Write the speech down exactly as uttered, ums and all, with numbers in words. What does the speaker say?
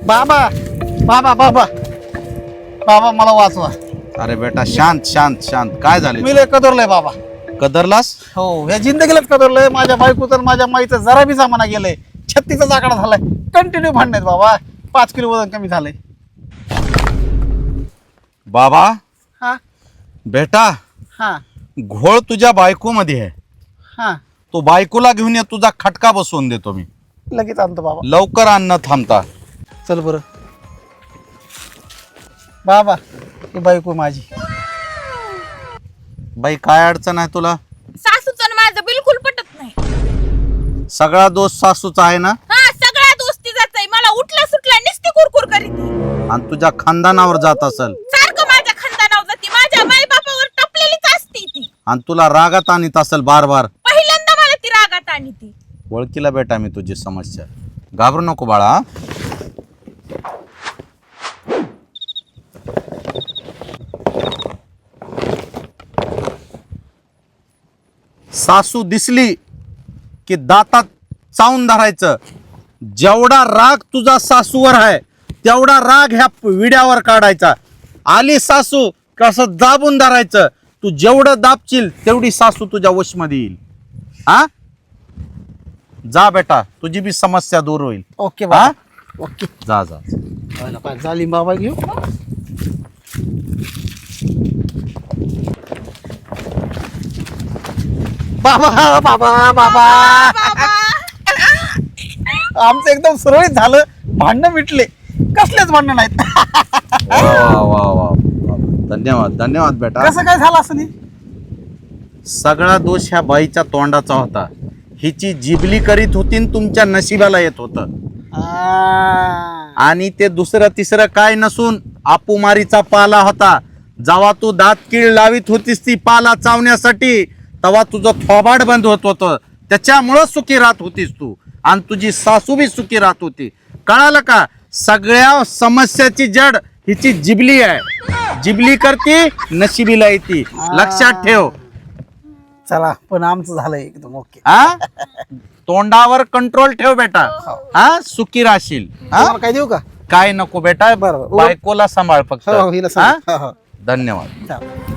बाबा बाबा बाबा बाबा मला वाचवा. अरे बेटा शांत शांत शांत. काय झाले? मी लय कदरलंय बाबा. कदरलास? हो या जिंदगीलाच कदरलंय. माझ्या बायको तर माझ्या माईचं जरा बी जमाना गेलंय. छत्तीचा जाकडा झालाय. कंटिन्यू भांडण्यात बाबा. पाच किलो वजन कमी झालंय. बाबा हा बेटा हा घोळ तुझ्या बायको मध्ये आहे. हा तो बायकोला घेऊन ये, तुझा खटका बसवून देतो मी. लगेच आणतो बाबा. लवकर आण न थांबता. चल बरं बाबा. ही बायको माझी. बाई काय अडचण आहे तुला? सासूचं माझं बिलकुल पटत नाही. सगळा दोष सासूचा आहे ना? हा सगळ्या दोस्तीचाच आहे. मला उठला सुटला नुसती कुरकुर करीत आणि तुझ्या खानदानावर जात असेल. सारखं माझ्या खानदानावर जाती. माझ्या माई बापावर टपलेलीच असती ती. आणि तुला रागात आणीत असेल बार बार. पहिल्यांदा मला ती रागात आणि ती ओळखीला बेटा मी तुझी समस्या. घाबरू नको बाळा. सासू दिसली की दातात चावून धरायचं. जेवढा राग तुझा सासूवर आहे तेवढा राग ह्या विड्यावर काढायचा. आली सासू कसं दाबून धरायचं. तू जेवढं दाबशील तेवढी सासू तुझ्या वशमध्ये येईल. हा जा बेटा, तुझी बी समस्या दूर होईल. ओके हा बाबा. ओके. जा जा. काय झाली बाबा घेऊ. बाबा बाबा बाबा आमचं एकदम सुरळीत झालं. भांडणं मिटले. कसलेच भांडणं नाहीत. वा वा वा वा वा. धन्यवाद धन्यवाद बेटा. कसं काय झालं असं नाही. सगळा दोष ह्या बाईच्या तोंडाचा होता. हिची जिबली करीत होती न तुमच्या नशिबाला येत होतं. आणि ते दुसरं तिसरं काय नसून आपुमारीचा पाला होता. जेव्हा तू दात कीळ लावित होतीस ती पाला चावण्यासाठी, तेव्हा तुझं थोबाड बंद होत होतं. त्याच्यामुळं सुखी राहत होतीस तू. आणि तुझी सासू बी सुखी राहत होती. कळालं का? सगळ्या समस्याची जड हिची जिबली आहे. जिबली करती नशिबीला येते. लक्षात ठेव. चला पण आमचं झालंय एकदम ओके. हा तोंडावर कंट्रोल ठेव बेटा. हा सुखी राहशील. हा काय देऊ का? काय नको बेटा. बरं. बायकोला सांभाळ फक्त. हो हिला हा? सांग. हो, हो. धन्यवाद. चालेल.